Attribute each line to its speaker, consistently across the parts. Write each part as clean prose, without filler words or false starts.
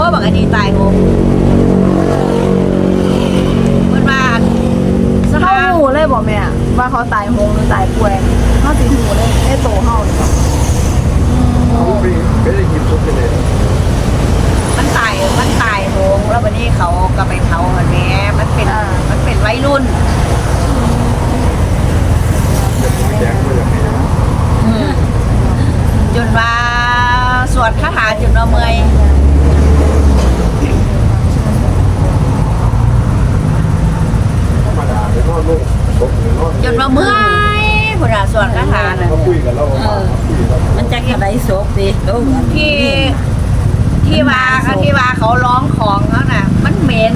Speaker 1: บักอันนี้ตายโหงเพิ่นว่าส
Speaker 2: เขา
Speaker 1: ถาน
Speaker 2: หูเลยบอกแม่ว่าเขาตายโหงหรือตายป่วยเขาสิหูเลยไอ้โตเฮาเนี่ย
Speaker 3: เขาไม่ได้ยินทุกเลย
Speaker 1: มันตายโหงแล้ววันนี้เขาก็ไปเผามันแม่มันเป็นวัยรุ่น
Speaker 3: แจ้งว่าอย่างไรนะ
Speaker 1: จนว่าสวดคาถาจนว่าเมื่อย
Speaker 3: ธรรมดาเป็นนอนลูกตกหรือนอน
Speaker 1: จนว่าเมื่อยพุ่นน่ะสวดคาถาน่ะ
Speaker 3: เขาคุยกับเราคุยกับ
Speaker 4: มันจะกระไรศพดิโอ้ย
Speaker 1: ที่ว่าเขาร้องของเขาน่ะ มันเหม็น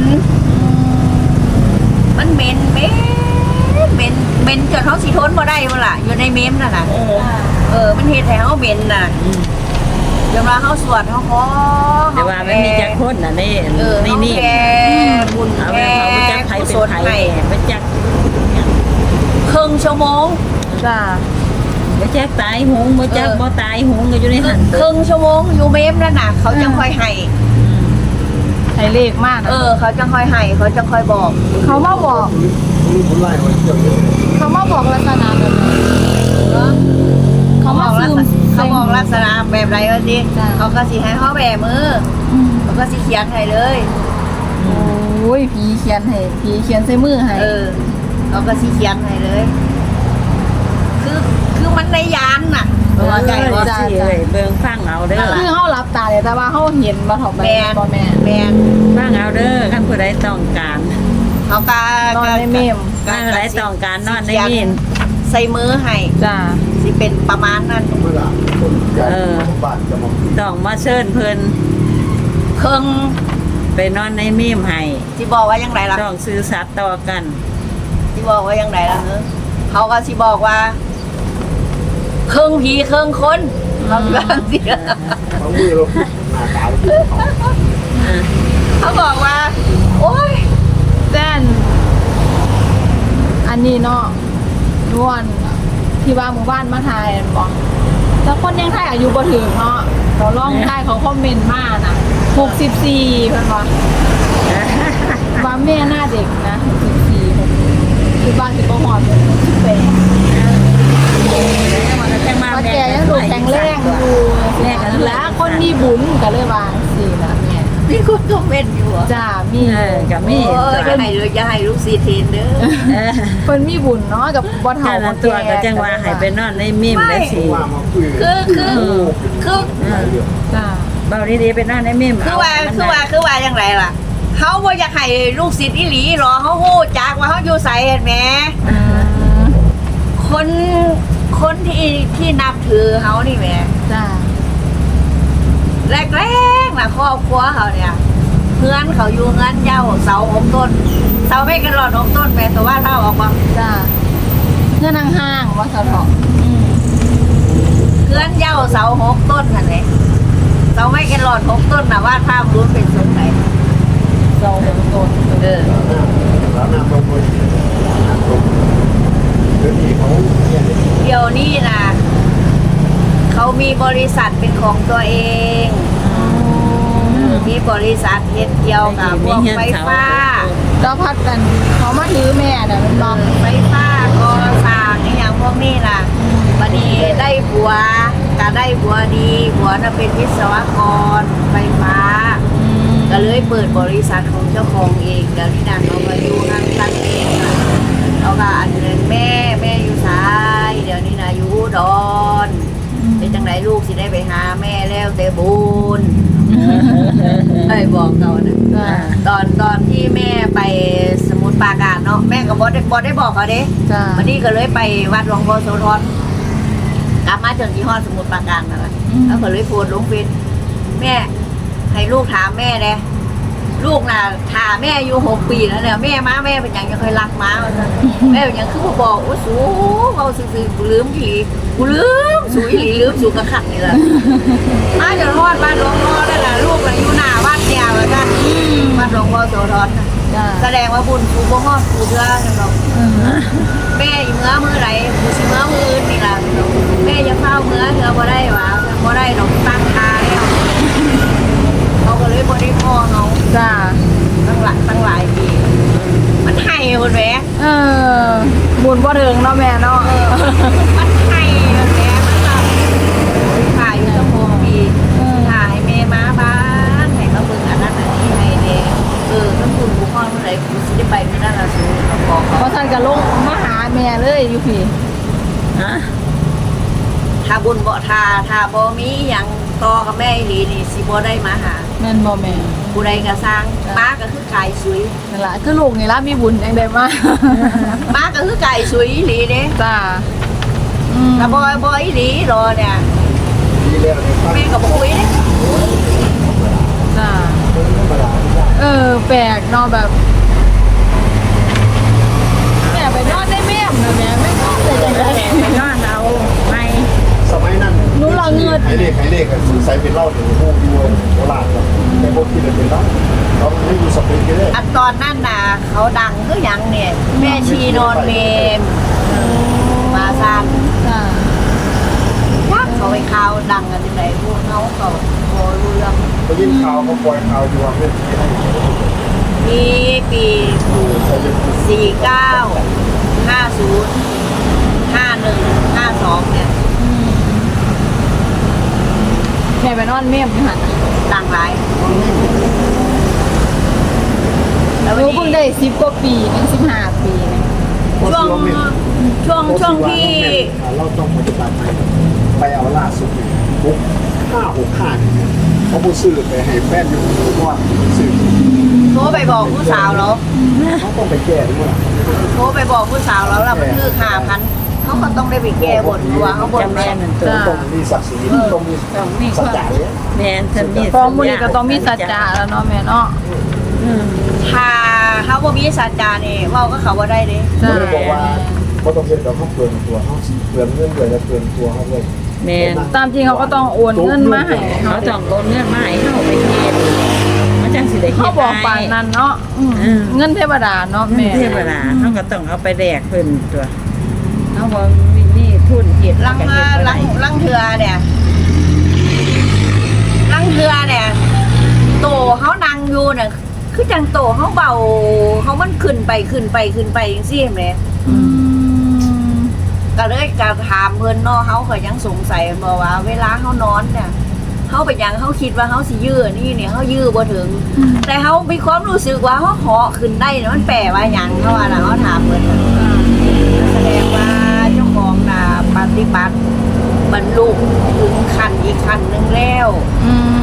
Speaker 1: จนเขาสิทนบ่ได้บ่ล่ะอยู่ในเมมนั่นน่ะมันเฮ็ดให้เขาเหม็นน่ะจนว่าเขาสวดเขาขอ
Speaker 4: แต่ว่ามันมีจักคนน่ะนี่
Speaker 1: นี่
Speaker 4: นี่
Speaker 1: แกบุญ
Speaker 4: เอา
Speaker 1: แก
Speaker 4: ไปเขาจักไผ
Speaker 1: กุ
Speaker 4: เป็น
Speaker 1: ศล
Speaker 4: ไผ
Speaker 1: ให้
Speaker 4: ไปจัก
Speaker 1: ครึ่งชั่วโมง
Speaker 2: จ้า
Speaker 4: ไปจักตายหงบ่จักบ่ตายหงก็อยู่ในหัน
Speaker 1: ครึ่งชั่วโมงอยู่เมมนั่นน่ะเขาจะค่อยให้
Speaker 2: ให้เลขมากนะ
Speaker 1: เขาจะค่อยให้เขาจะค่อยบอก
Speaker 2: เขามาบอก
Speaker 3: ลูกคนไล่ไว้เรื่องนี้
Speaker 2: เขามาบอกลักษณะแบบไหนเขามาซึม
Speaker 1: เขาบอกลักษณะแบบไรวะสิเขาก็สิให้เขาแบมือเขาก็สิเขียนให้เลย
Speaker 2: โอ้ยผีเขียนให้ผีเขียนใส่มือให้
Speaker 1: เขาก็สิเขียนให้เลย คือมันในยานน่ะ
Speaker 4: ว่าใจว่าสิเอ้ยเบิ่งฟังเอาเด้อ
Speaker 2: คือเขารับตาเลยแต่ว่าเขาเห็นมาถอดไป
Speaker 1: แมน
Speaker 2: บ่แม่
Speaker 1: แมน
Speaker 4: ฟังเอาเด้อคันผู้ใดต้องการ
Speaker 1: เขาก็
Speaker 2: นอนในเมม
Speaker 4: คันผู้ใดต้องการนอนในมีน
Speaker 1: ใส่มือให้
Speaker 2: จ้า
Speaker 1: สิเป็นประมาณนั้น
Speaker 3: ธรรมดาคนใหญ่บ้านจะมา
Speaker 4: ต้องมาเชิญเพิ่น
Speaker 1: เครื่อง
Speaker 4: ไปนอนในมีมให้
Speaker 1: ที่บอกว่ายังไงล่ะ
Speaker 4: ต้องซื้อสัตว์ต่อกัน
Speaker 1: ที่บอกว่ายังไงล่ะเขาก็สิบอกว่าเครื่องผีเครื่องคนเขาสิว่าสิ
Speaker 3: บางมือเราหน้าตาเราเขา
Speaker 1: เขาบอกว่า โอ๊ย
Speaker 2: แต้นอันนี้เนาะนวลที่ว่าหมู่บ้านมาทายบอกแต่คนยังทายอายุบ่ถึงเนาะเราล่องได้เขาคอมเมนต์มาน่ะ64เพิ่นว่าว่าแม่หน้าเด็กนะ64คือบ้านสิบ่ฮอด
Speaker 4: จังมา
Speaker 2: ว่าแกยังดูแข็งแรงอยู่แล้วคนมีบุญก็เลยว่าสิล่ะแม่
Speaker 1: นี่คุณคอมเมนต์อยู่เหรอ
Speaker 2: จ้ามี
Speaker 4: ก็มี
Speaker 1: โอ้ยอย่าให้ลูกซีเทนเด้อ
Speaker 2: เพิ่นมีบุญเนาะกับบ่เฒ่า
Speaker 4: ถ้า
Speaker 2: บ่
Speaker 4: ตัว
Speaker 2: แก่
Speaker 4: ก็จังว่าให้ไปนอนในมีมได้สิ
Speaker 3: ว่ามาคุย
Speaker 1: คือ
Speaker 2: จ้า
Speaker 4: เบาดีๆไปนอนในมีม
Speaker 1: คือว่าอย่างไรล่ะเขาบ่อยากให้ลูกศิษย์อีหลีหรอเขาฮู้จักว่าเขาอยู่ไสเห็นไหมคนที่นับถือเขานี่แหม
Speaker 2: จ้า
Speaker 1: แรกๆนะครอบครัวเขาเนี่ยเพื่อนเขาอยู่เงินเย้าเสา6 ต้นเสาไม่กันหลอด6 ต้นแม่แต่ว่าเท่าออกมา
Speaker 2: จ้าเงื่อนห่างๆว่าสะเถาะ
Speaker 1: เพื่อนเย้าเสา6 ต้นนั่นแหละเสาไม่กันหลอด6 ต้นนะว่าถ้ารู้เป็นสงไหน
Speaker 2: เราเห็นต้น
Speaker 3: แล้วน้ำลงไปน้ำลงเดี๋ยวนี้เขาเนี่ย
Speaker 1: เดี๋ยวนี้นะเขามีบริษัทเป็นของตัวเองมีบริษัทเฮ็ดเกี่ยวกับพวกไฟฟ้า
Speaker 2: เราพัดกันเขามาถือแม่น่ะมันบอก
Speaker 1: ไฟฟ้าก่อสร้างอหย่างพวกนี้ล่ะวันนี้ได้ผัวก็ได้ผัวดีผัวน่ะเป็นวิศวกรไฟฟ้า ก็เลยเปิดบริษัทของเจ้าของเองเดี๋ยวนี้นะเขามาอยู่ทางตั้งเองค่ะเขาก็อันเงินแม่อยู่ซ้ายเดี๋ยวนี้นะอยู่อุดอนเป็นจังไหนลูกสิได้ไปหาแม่แล้วแต่บุญเอ้ยบอกเขานะ
Speaker 2: จ้า
Speaker 1: ตอนที่แม่ไปสมุทรปราการเนาะแม่ก็บอได้บอกเขาเด้
Speaker 2: จ้า
Speaker 1: วันนี้ก็เลยไปวัดหลวงพ่อโสธรกลับมาจนที่ฮอดสมุทรปราการนั่นแหละแล้วก็เลยโพสต์ลงเฟซแม่ให้ลูกถามแม่เลยลูกน่ะถามแม่อายุ6 ปีแล้วเนี่ยแม่เป็นอย่างยังเคยรักม้ามาแม่เป็นอย่างคือบอกโอ้สูเขาซื่อๆกูลืมผีกูลืมสูอีหลีลืมสูกระขัดนี่แหละมาจนฮอดบ้านหลวงพ่อได้ละลูกน่ะอยู่หน้าวัดเนี่ยว่าซั่นวัดหลวงพ่อโสธรน่ะ
Speaker 2: จ้า
Speaker 1: แสดงว่าบุญกูบ่ฮอดกูเด้อจังดอกแม่อีเมื่อมื้อไหนกูสิเมื่อมื้ออื่นนี่ล่ะแม่จะเฝ้าเมื่อเธอบ่ได้หว่าบ่ได้ดอกตั้งตาแล้วเขาก็เลยบ่ได้พอพุ่นแหม
Speaker 2: เออบุญบ่ถึงเนาะแม่เนาะ
Speaker 1: มันให้แหมมันก็ถ่ายอยู่ตั้ง6 ปีถ่ายให้แม่มาบ้านให้มาเบิ่งอันนั้นอันนี้ให้แน่ถ้าคุณบุคคลเมื่อไหร่คุณสิได้ไปมื้อนั้นล่ะสูบอกเขา
Speaker 2: เพราะท่านก็ลงมาหาแม่เลยอยู่พี่
Speaker 4: ฮะ
Speaker 1: ถ้าบุญบ่ถ้าบ่มีหยังต่อกับแม่อีหลีนี่สิบ่ได้มาหา
Speaker 2: แม่นบ่แม่
Speaker 1: ผู้ใดก็สร้างม้าก็คือกายสวย
Speaker 2: นั่นล่ะคือลูกนี่ล่ะมีบุญจังได๋มา
Speaker 1: ม้าก็คือกายสวยอีหลีเด้
Speaker 2: จ้า
Speaker 1: ถ้าบ่อีหลีรอเนี่ย
Speaker 3: ดีแล้วเนี่ยฟัง
Speaker 1: แม่ก็บ่คุยเด้
Speaker 2: จ้า
Speaker 3: ธรรมดาไม่ได้
Speaker 2: แปลกเนาะแบบแม่ไปนอนได้แม่มนะแม่ไม่นอนเลยจังได๋
Speaker 4: ไปนอนเอาไม่
Speaker 3: สมัยนั้นไอ้เลขสงสัยเป็นเหล้าถึงพวกยูโบราณครับแต่พวกที่เป็นเหล้าเราไม่อยู่สเปนกันเลย
Speaker 1: อันตอนนั้นน่ะเขาดังคือหยังเนี่ยแม่ชีนอนเมมมาซาน
Speaker 2: จ้า
Speaker 1: ยักเขาไปข่าวดังกันจังไดพวกเขาก็บ่รู้เรื่อง
Speaker 3: เขายินข่าวเขาปล่อยข่าวอยู่ว่าเพื่อนที่ให้
Speaker 1: มีปี
Speaker 3: ใช้ยัง
Speaker 1: 49 50 51 52เนี่ย
Speaker 2: แม่ไปนอนแม่มอยู่หั่น
Speaker 1: ดังหลาย
Speaker 2: หนูเพิ่งได้10กว่าปีนึง15 ปีนึง
Speaker 1: ช่วงที่
Speaker 3: เราต้องปฏิบัติไปเอาล่าสุดปุ๊บ565เนี่ยเขาบูซื้อไปให้แฟนอยู่ว่าซื้อ
Speaker 1: โทรไปบอกผู้สาวแล้ว
Speaker 3: เขาต้องไปแก้ด้วย
Speaker 1: โทรไปบอกผู้สาวแล้วมันคือ5,000เขาก็ต้องได้ไปแก้บนเพราะว่าเขาบน
Speaker 4: จำ
Speaker 1: แม่
Speaker 4: แม่
Speaker 1: น
Speaker 4: นั่นตัว
Speaker 3: ต้องมีศักดิ์ศรีต้องมีสัจจะเลย
Speaker 4: แม่นท่านมี
Speaker 2: พร้อมมื้อนี้ก็ต้องมีสัจจะแล้วเนาะแม่เนาะ
Speaker 1: ถ้าเขาบ่มีสัจจานี่เว้าก็เขาบ่ได้เด้
Speaker 2: จ้า
Speaker 3: เขาบอกว่าเขาต้องเซ็นกับเขาเปลืองตัวเขาเปลืองเงินเลยและเปลืองตัวเขาเลย
Speaker 4: แม่น
Speaker 2: ตามจริงเขาก็ต้องโอนเงินมาให้
Speaker 4: เขา
Speaker 2: เขา
Speaker 4: ต้องโอนเงินมาให้เฮาไปเฮ็ดมันจังสิได้เฮ็ด
Speaker 2: เขาบอกปานนั้นเนาะเงินเทวดาเนาะ
Speaker 4: แม่
Speaker 2: แม่
Speaker 4: เทวดาเฮาก็ต้องเอาไปแลกเพิ่นตัวเฮาบ่มีทุนเฮ็ด
Speaker 1: ลัง
Speaker 4: ก็เฮ็ดบ่ได้
Speaker 1: ลังเทือเนี่ยโตเขานั่งอยู่เนี่ยคือจังโตเขาเบาเขามันขึ้นไปจังซี่แหม
Speaker 2: อืม
Speaker 1: ก็เลยก็ถามเพิ่นเนาะเขาก็ยังสงสัยบ่ว่าเวลาเขานอนเนี่ยเขาไปหยังเขาคิดว่าเขาสิยื้อนี่เนี่ยเขายื้อบ่ถึง แต่เขามีความรู้สึกว่าเขาเหาะขึ้นได้เนี่ยมันแปลว่าหยังเขาว่าน่ะเขาถามเพิ่นน่ะแสดงว่าเจ้าของน่ะปฏิบัติบรรลุถึงขั้นอีกขั้นหนึงแล้ว
Speaker 2: อืม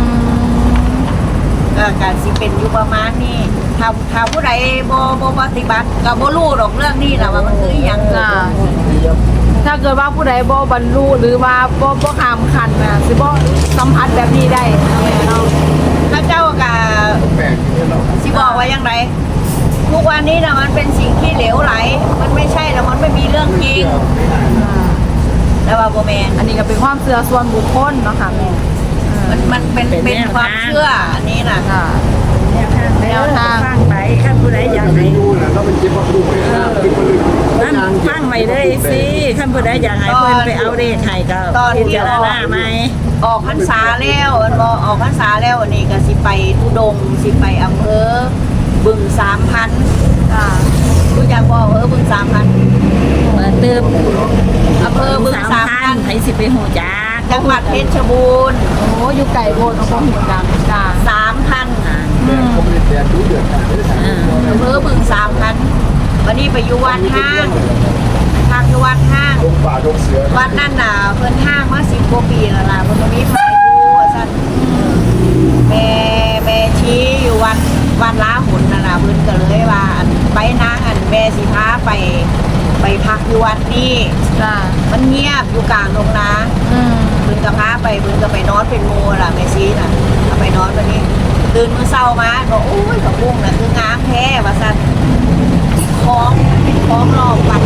Speaker 1: การสิเป็นอยู่ประมาณนี้ถ้าผู้ใดบ่ปฏิบัติก็บ่รู้หรอกเรื่องนี้ล่ะว่ามันคืออหยัง
Speaker 2: จ้าถ้าเกิดว่าผู้ใดบ่บรรลุหรือว่าบ่ข้ามขั้นน่ะสิบ่สัมผัสแบบนี้ได้แม่เนาะ
Speaker 1: พระเจ้าก็
Speaker 3: แปลกที่เรา
Speaker 1: สิบอกว่าอย่างไรทุกวันนี้น่ะมันเป็นสิ่งที่เหลวไหล มันไม่ใช่แล้วมันไม่มีเรื่องจริง
Speaker 3: ไม่ได้
Speaker 1: แต่ว่าบ่แม่น
Speaker 2: อันนี้ก็เป็นความเชื่อส่วนบุคคลเนาะค่ะแม่
Speaker 1: มันเป็นความเชื่ออันนี้น่ะ
Speaker 2: ค่ะ
Speaker 4: แนวทางฟังไปคันผู้ใดอยาก
Speaker 3: ไม่
Speaker 4: ให้
Speaker 3: ดูนะเราเป็นคิดว่าดูไม่ได้คิดว่าลืม
Speaker 4: นั่นฟังไว้เลยสิคันผู้ใดอยากให้เพิ่นไปเอาเลขให้ก็พิจารณาไหม
Speaker 1: ออกพรรษาแล้วอันบ่ออกพรรษาแล้วอันนี้ก็สิไปทุดงค์สิไปอำเภอบึง3,000
Speaker 2: ค่ะ
Speaker 1: รู้จักบ่อำเภอบึง3,000
Speaker 4: เปิดเติม
Speaker 1: อำเภอบึง
Speaker 4: 3,000ให้สิไปฮู้จัก
Speaker 1: 3,000จังหวัดเพชรบูรณ์
Speaker 2: โอ้อยู่ไก่โบนของพ่อหูดังจ้า
Speaker 1: 3,000
Speaker 3: แต่เขาไม่ได้แทนดูเดือดกันไม่ได้แทน
Speaker 1: อำเภอบึง3,000วันนี้ไปอยู่วัดห้างพักอยู่วัดห้าง
Speaker 3: ลงป่าลงเสือ
Speaker 1: วัดนั่นน่ะเพิ่นห้างมา10กว่าปีแล้วล่ะเพิ่นบ่มีไฟอยู่ว่าซั่นแม่ชี้อยู่วัดล้าหุ่นนั่นน่ะเพิ่นก็เลยว่าอันไปนางอันแม่สิพาไปพักอยู่วัดนี้
Speaker 2: จ้า
Speaker 1: มันเงียบอยู่กลางทุ่งนา
Speaker 2: อืม
Speaker 1: เพิ่นก็พาไปเพิ่นก็ไปนอนเป็นหมู่ล่ะแม่ชี้น่ะเอาไปนอนบัดนี้ตื่นมื้อเช้ามาก็โอ้ยผักบุ้งน่ะคืองามแท้ว่าซั่นของเป็นของรอบวัด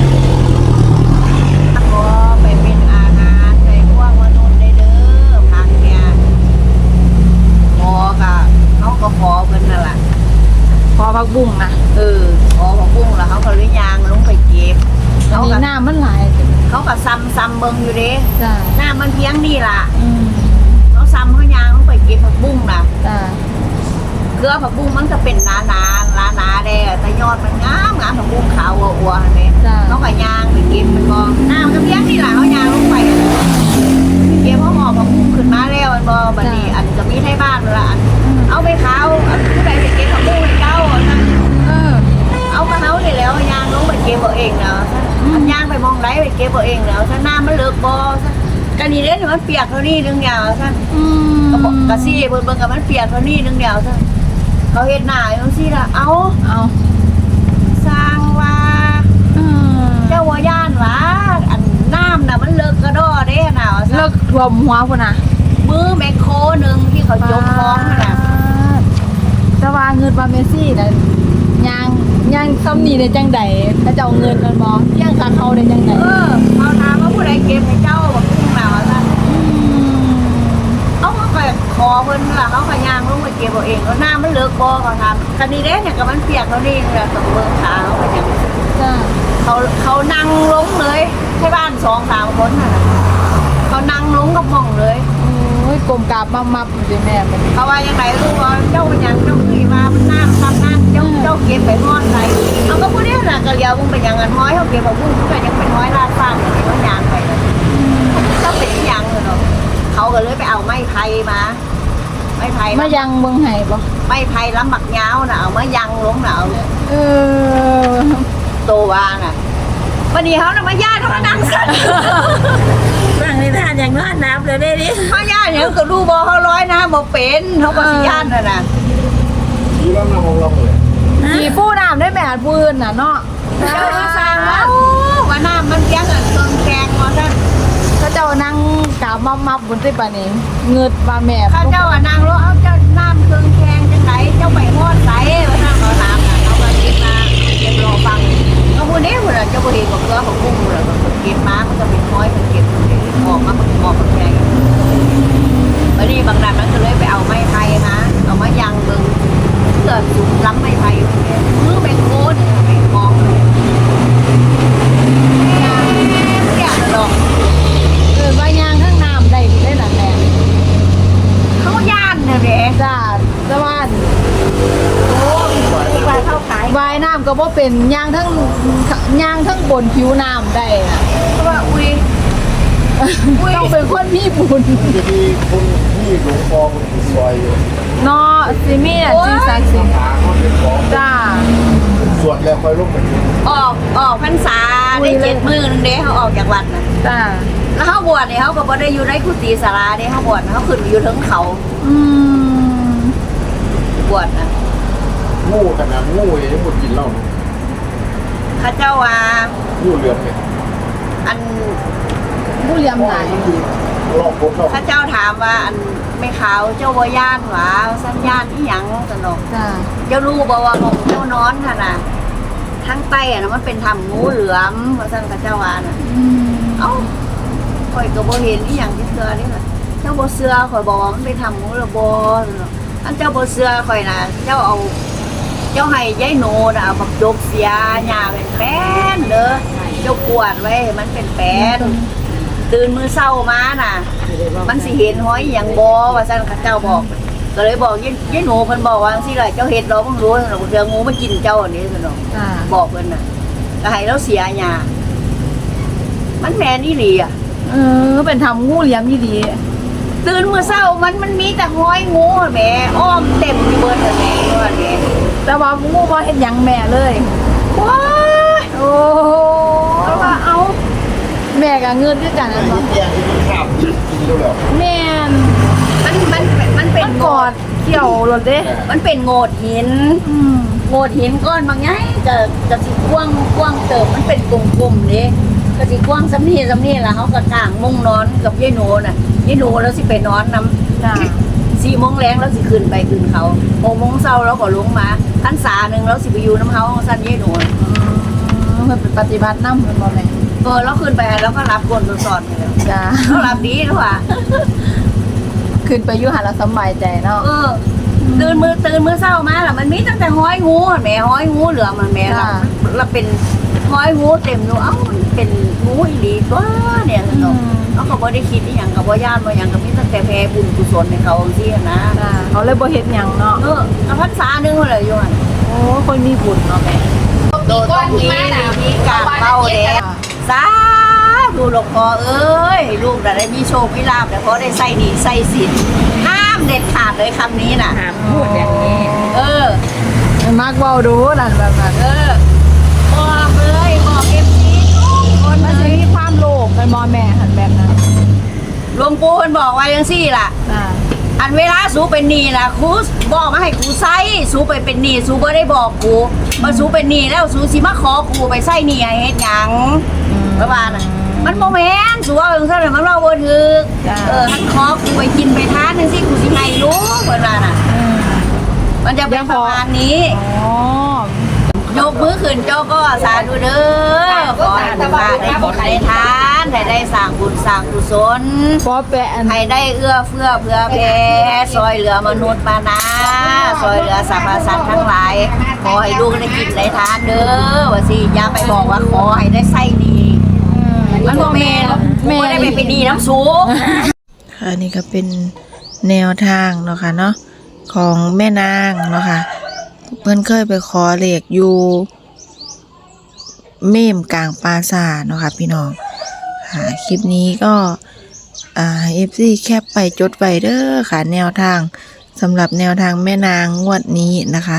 Speaker 1: ขอไปเป็นอาหารในพวกมนุษย์ได้เด้อพักเนี่ยขอก็เขาก็ขอเพิ่นนั่นล่ะ
Speaker 2: พอพักบุ้งนะ
Speaker 1: ขอผักบุ้งแล้วเขาก็เลยยางลงไปเก็บ
Speaker 2: อัน
Speaker 1: เขา
Speaker 2: นี้
Speaker 1: ก็
Speaker 2: หน้ามันหลาย
Speaker 1: เขาก็ซ้ำเบิ่งอยู่เด้
Speaker 2: จ้า
Speaker 1: หน้ามันเพียงนี่ล่ะ
Speaker 2: อืม
Speaker 1: เขาซ้ำเขายางลงไปเก็บผักบุ้งน่ะ
Speaker 2: จ้า
Speaker 1: เกลือผักบุ้งมันจะเป็นหนาแดงแต่ยอดมันงามผักบุ้งขาวอัวๆเนี่ยเขาก็ย่างไปกินมันบอกน้ำก็เพียงนี่แหละเขาย่างลงไปเก็บเขาหอบผักบุ้งขึ้นมาแล้วมันบอกบัดนี้อันจะมีให้บ้านละอันเอาไปขาวผู้ใดไปเก็บผักบุ้งให้เจ้าเอามาเขาเนี่ยแล้วย่างลงไปเก็บเอาเองแล้วอันย่างไปมองไรไปเก็บเอาเองแล้วถ้าน้ำมันเลิกบ่กันนี่เด้มันเปียกเท่านี้นึงยาวท่านกะซี่เบิ่งกับมันเปียกเท่านี้นึงเดียวซะเขาเฮ็ดหน้าจังซี่ล่ะเอาสร้างว่าเจ้าว่าย่านว่าอันน้ำน่ะมันเลิกกระดอเด้น่ะว่าซะ
Speaker 2: เลิกท่วมหัวพุ่นน่ะ
Speaker 1: มือแมคโครนึงที่เขายกคล้องนั่นน่ะ
Speaker 2: แต่ว่าเงินว่าเมซี่น่ะย่างซ้ำนี่ได้จังได๋ถ้าเจ้าเงินมันบ่ย่างค่าเขาได้จังได๋
Speaker 1: เขาถามว่าผู้ใดเก็บให้เจ้าบอกพุ่งน่ะว่าซะเขาก็ขอเพิ่นล่ะเขาก็ย่างลงไปเก็บเอาเองแล้วน้ำมันเลิกบ่เขาทำคันนี้เด้เนี่ยก็มันเปียกเท่านี้แหละต้องเบิ่งขาเขาก็อย่าง
Speaker 2: จ้า
Speaker 1: เขานั่งลงเลยให้บ้าน2-3คนน่ะเขานั่งลงกับห้องเลย
Speaker 2: โอ้ยกลมกราบมับๆอยู่แม่มัน
Speaker 1: เขาว่ายังไงลูกว่าเจ้าเป็นยังเจ้าคือว่ามันน้ำทำนั่นเจ้าเก็บไปทอดไรเขาก็พูดได้แหละกะเลียวมึงเป็นยังไงห้อยเขาเก็บแบบพุ่งก็ยังเป็นห้อยลาดฟางอย่างนี้เขายางไปเลยเจ้าเป็นยังเลยเนาะเขาก็เลยไปเอาไม้ไผ่มาไม้ไผ่
Speaker 2: มายังเมืองไห้บ่
Speaker 1: ไม้ไผ่ล้ำหมักยาวน่ะเอามายังลงน่ะเอา
Speaker 2: เออ
Speaker 1: โตวาน่ะวันนี้เขาน่ะมาญาติเขามานั่งสั่น
Speaker 4: บางในท่านอย่างนอนนับเลยได้ดิ
Speaker 1: มาญาติเนี่ยก็ดูบ่เขาร้อยนะบ่เป็นเขาก็สิญาติน่ะนะ
Speaker 3: ทีแล้วน้ำของเราเลย
Speaker 2: ขี่ปูน้ำได้แม่อันปืนน่ะเนาะ
Speaker 1: เจ้ามาสั่งว่าน้ำมันยังอันเกินแกงว่าซั่น
Speaker 2: ถ้าเจ้านั่งกราบมับบนที่ปานนี้เงิดว่าแม่
Speaker 1: ข้าเจ้าอ่ะนางรู้เอาเจ้าน้ำเครื่องแกงจังไหนเจ้าไปฮอดไสว่านั่งเขาถามน่ะเขาก็เก็บมาเก็บรอฟังเขาพูดนี้พุ่นน่ะเจ้าบ่เห็นบ่เกลือของกุ้งพุ่นน่ะมันเก็บมามันก็เป็นน้อยมันเก็บออกมามันออกมันใหญ่บัดนี้บางนั้นมันก็เลยไปเอาไม้ไผ่มาเอามายังเบิ่งเพื่อสุกล้ำไม้ไผ่มือแบงโคนี่ไปมองเนี่ยดอก
Speaker 2: ว่ายางทั้งน้ำได้ได้หลายแม่
Speaker 1: เขาย่านเนี่ยแหละ
Speaker 2: จ้าแต่ว่า
Speaker 1: โอ้ยปลาเข้าขาย
Speaker 2: ว่ายน้ำก็บ่เป็นยางทั้งบนผิวน้ำได้อะ
Speaker 1: เพราะว่าอุ้ย
Speaker 2: ต้องเป็นคนมีบุญ
Speaker 3: มันจะมีคนที่หลวงพ่อมันซอยอยู่
Speaker 2: เนาะสิมีอ่ะจริงสักสิ
Speaker 3: หาเขาเป็นของ
Speaker 2: จ้า
Speaker 3: สวดแล้วค่อยลงไปกิน
Speaker 1: ออกพรรษาได้7 มื้อนึงเด้เขาออกจากวัดนะ
Speaker 2: จ้า
Speaker 1: แล้วเขาบวชเนี่ยเขาก็บ่ได้อยู่ในกุฏิศาลาเด้เขาบวชเขาขึ้นอยู่เทิงเขา
Speaker 2: อืม
Speaker 1: บวชนะ
Speaker 3: งูขนาดงูยังหมดกินเหล้าเนอะ
Speaker 1: ข้าเจ้าว่า
Speaker 3: งูเหลือมเนี่ย
Speaker 1: อัน
Speaker 2: ผู้เลี้ยง
Speaker 3: เพราะ
Speaker 2: หลา
Speaker 3: ว่าย มันอยู่รอบพบเรา
Speaker 1: ข้าเจ้าถามว่าอันไม่ขาวเจ้าบ่ย่านหวาสัญญาณอีหยังสนอก
Speaker 2: จ้า
Speaker 1: เจ้ารู้บ่ว่าของเจ้านอนค่ะน่ะทั้งใต้อะนะมันเป็นถ้ำงูเหลือมว่าซั่นข้าเจ้าว่าน่ะ
Speaker 2: อืม
Speaker 1: เอ้าข่อยก็บ่เห็นอีหยังที่เสือนี่ล่ะเจ้าบ่เสือข่อยบอกว่ามันไปทำหมูระบ่อันเจ้าบ่เสือข่อยน่ะเจ้าเอาเจ้าให้ยายโนน่ะเอาบักจกเสียหญ้าเป็นแป้นเด้อเจ้ากวาดไว้ให้มันเป็นแป้นตื่นมื้อเช้ามาน่ะ มันสิเห็นหอยอีหยังบ่ว่าซั่นเขาเจ้าบอก ก็เลยบอกยายโนเพิ่นบอกว่าจังซี่ล่ะเจ้าเฮ็ดเราบ่รู้ซั่นดอกเดี๋ยวงูมากินเจ้าอันนี้ซั่นดอก
Speaker 2: จ้า
Speaker 1: บอกเพิ่นน่ะก็ให้เราเสียหญ้ามันแม่นอีหลีอ่ะ
Speaker 2: เออเป็นทำงูเลี้ยงดี
Speaker 1: ตื่นมื้อเช้ามันมีแต่ห้อยงูแหม่อ้อมเต็มอยู่เบิดเลยแหม่ว่าแหม่
Speaker 2: ๆแต่ว่างูบ่เฮ็ดหยังแม่เลย
Speaker 1: ว้าย
Speaker 2: โอ้โห
Speaker 1: เพราะว่าเอา
Speaker 2: แม่ก็เงินด้วยกัน
Speaker 3: ไอ้
Speaker 2: นะ
Speaker 3: ที่แกงที่มันข้ามกินแล้วแล้ว
Speaker 2: แม่น
Speaker 1: มันเป็น
Speaker 2: มันกอดเกี่ยวรถเด้
Speaker 1: มันเป็นโงดหิน
Speaker 2: อืม
Speaker 1: โงดหินก้อนบางไงจะสิกว้างเติบมันเป็นกลมๆนี่ก็สิกว้างสำนี่ล่ะเขาก็กางมุ้งนอนกับยายโนน่ะยายโนแล้วสิไปนอนนำ
Speaker 2: จ้า
Speaker 1: 4 โมงแรงแล้วสิขึ้นไปขึ้นเขา6 โมงเช้าแล้วก็ลงมาพรรษาหนึงแล้วสิไปอยู่น้ำเฮาสั้นยายโนน่ะ
Speaker 2: เพิ่นเป็นปฏิบัตินำเพิ่นบ่แม่
Speaker 1: แล้วขึ้นไปแล้วก็รับกวนสอนๆนี่แหละ
Speaker 2: จ้า
Speaker 1: เขารับดีด้วยว่ะ
Speaker 2: ขึ้นไปอยู่หาแล้วสำบายใจเนาะ
Speaker 1: ตื่นมือเช้ามาล่ะมันมีตั้งแต่ห้อยงูแหม่ห้อยงูเหลือมมันแหม่เราเป็นห้อยงูเต็มอยู่เอ้ามันเป็นงูอีหลีตัวเนี่ยสนุก
Speaker 2: อืม
Speaker 1: เขาก็บ่ได้คิดอีหยังก็บ่ย่านบ่หยังก็มีตั้งแต่แผ่บุญกุศลให้เขาจังซี่นะ
Speaker 2: จ้าเขาเลยบ่เฮ็ดหยังเนาะ
Speaker 1: พรรษาหนึงเลยอยู่หั่น
Speaker 2: โอ้คนมีบุญเนาะแม่
Speaker 1: โดนต้องมีกราบเป้าเด้สาธุหลวงพ่อเอ้ยลูกได้มีโชคมีลาภแล้วก็ได้ใส่หนี้ใส่สินห้ามเด็ดขาดเลยคำนี้น่ะ
Speaker 4: ถามพูดอย่างนี้
Speaker 2: มักเว้าดูนั่นแบบนั้น
Speaker 1: บอกเลยบอกเอฟซีทุกคน
Speaker 2: มัน
Speaker 1: เล
Speaker 2: สิ
Speaker 1: ย
Speaker 2: มีความโลภเป็นบ่แม่หันแบบนั้น
Speaker 1: หลวงปู่เพิ่นบอกว่าจังซี่ล่ะ
Speaker 2: จ้า
Speaker 1: อันเวลาสูเป็นหนี้ล่ะครูบอกมาให้ครูใส่สูไปเป็นหนี้สูบ่ได้บอกครูว่าสูเป็นหนี้แล้วสูสิมาขอครูไปใส่หนี้ให้เฮ็ดหยังประมาณน่ะมันบ่แม่นสูว่าจังซั่นน่ะมันเว้าบ่ถูกท่านขอครูไปกินไปทานจังซี่ครูสิให้รู้เพิ่นว่าน่ะมันจะเป็นประมาณนี้
Speaker 2: อ๋อย
Speaker 1: กมือขึ้นเจ้าก็สาธุเด้อขอให้ทุกท่านได้บุญได้ทานได้สร้างบุญสร้างกุศล
Speaker 2: พอแปะอัน
Speaker 1: ให้ได้เอื้อเฟื้อเผื่อแผ่ซอยเหลือมนุษย์มานาซอยเหลือสรรพสัตว์ทั้งหลายขอให้ลูกได้กินได้ทานเด้อว่าสิอย่าไปบอกว่าขอให้ได้ไส้ดีมันบ่แม่นแม่ได้ไปเป็นดีน้ำสูง
Speaker 5: ค่ะนี่ก็เป็นแนวทางเนาะค่ะเนาะของแม่นางเนาะค่ะเพิ่นเคยไปขอเลขอยู่เมมกลางปราสาทเนาะค่ะพี่น้องค่ะคลิปนี้ก็FC แคปไปจดไว้เด้อค่ะแนวทางสำหรับแนวทางแม่นางงวดนี้นะคะ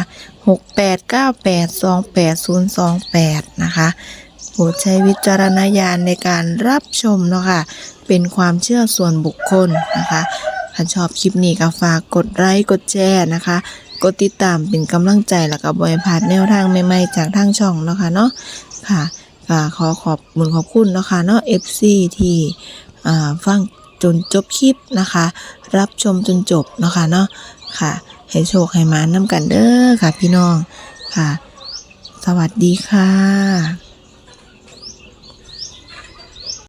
Speaker 5: 6898282028นะคะโปรดใช้วิจารณญาณในการรับชมเนาะค่ะเป็นความเชื่อส่วนบุคคลนะคะถ้าชอบคลิปนี้ก็ฝากกดไลค์กดแชร์นะคะกดติดตามเป็นกำลังใจแล้วก็บ่ให้พลาดแนวทางใหม่ๆจากทางช่องเนาะค่ะเนาะค่ะก็ขอขอบคุณเนาะค่ะเนาะ FC ที่ฟังจนจบคลิปนะคะ รับชมจนจบเนาะค่ะเนาะค่ะให้โชคให้มานำกันเด้อค่ะพี่น้องค่ะสวัสดีค่ะ